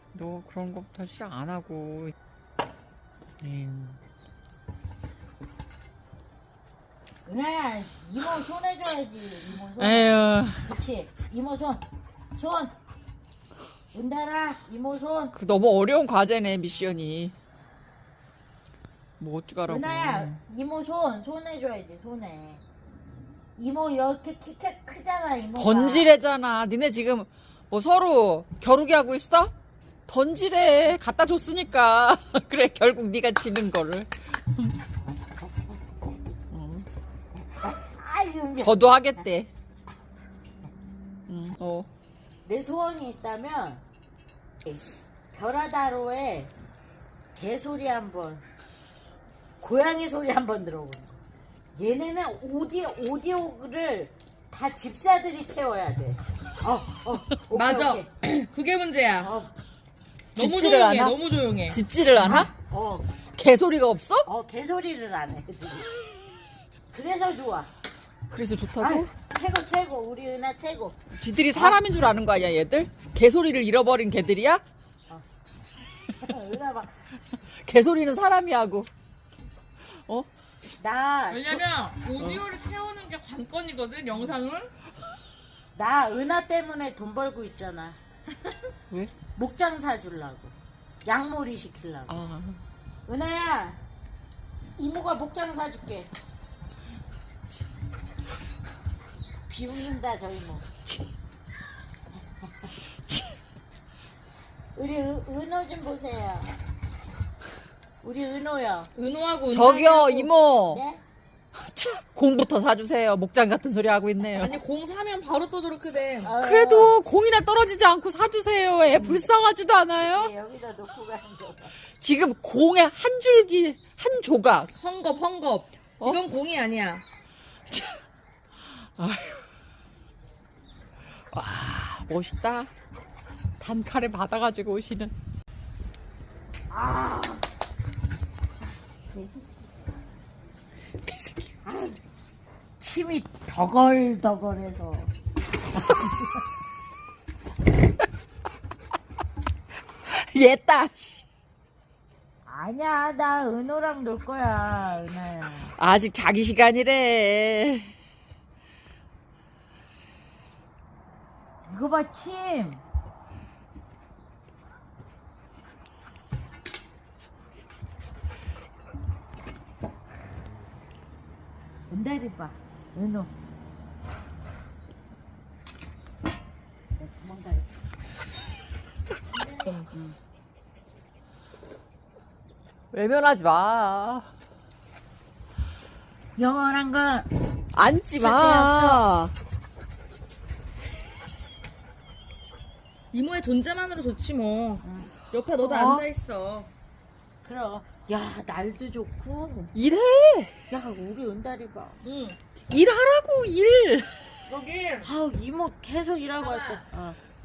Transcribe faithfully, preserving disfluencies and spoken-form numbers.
너 그런 것부터 시작 안 하고. 음. 은하야, 이모 손 해줘야지. 이모 손. 에휴. 그렇지. 이모 손. 손. 은달아, 이모 손. 그 너무 어려운 과제네, 미션이. 뭐 어쩌라고. 은하야, 이모 손. 손 해줘야지, 손에. 이모 이렇게 키 크잖아, 이모가. 던지래잖아. 니네 지금 뭐 서로 겨루기 하고 있어? 던지래. 갖다 줬으니까. 그래, 결국 네가 지는 거를. 아유, 저도 하겠대. 응, 어. 내 소원이 있다면 별하다로에 개소리 한번, 고양이 소리 한번 들어보는 거. 얘네는 오디오, 오디오를 다 집사들이 채워야 돼. 어, 어, 오케이, 맞아. 오케이. 그게 문제야. 어, 너무 짖지를 조용해. 않아? 너무 조용해. 짖지를 않아? 어, 개소리가 없어? 어, 개소리를 안 해. 그들이. 그래서 좋아. 그래서 좋다고? 아유, 최고, 최고. 우리 은하 최고. 쥐들이 사람인 줄 아는 거 아니야, 얘들? 개소리를 잃어버린 개들이야? 은하 봐. 개소리는 사람이 하고. 어? 나, 왜냐면 오디오를 채우는 게 관건이거든. 영상은. 나 은하 때문에 돈 벌고 있잖아. 왜? 목장 사주려고. 양몰이 시키려고. 아. 은하야, 이모가 목장 사줄게. 비웃는다, 저 이모. 우리 은, 은호 좀 보세요. 우리 은호요. 은호하고 저기요, 은달이하고. 이모. 네? 공부터 사주세요. 목장 같은 소리 하고 있네요. 아니 공 사면 바로 또 저렇게 돼. 어, 그래도 공이나 떨어지지 않고 사주세요. 애 불쌍하지도 않아요? 네, 여기다 놓고 가는 거. 지금 공의 한 줄기, 한 조각. 헝겊 헝겊. 어? 이건 공이 아니야. 와, 멋있다. 단칼에 받아가지고 오시는. 아, 침이 더걸더걸해서. 얘다. 아니야, 나 은호랑 놀 거야, 은하야. 아직 자기 시간이래. 이거 봐, 침. 은달이 봐, 은호. 내 도망가야지. 외면하지 마. 영원한 건 앉지 절대 마. 이모의 존재만으로 좋지 뭐. 응. 옆에 너도 어? 앉아 있어. 그럼. 야, 날도 좋고. 일해. 야, 우리 은달이 봐. 응. 일하라고, 일. 여기 아우, 이모 계속 일하고 왔어. 어.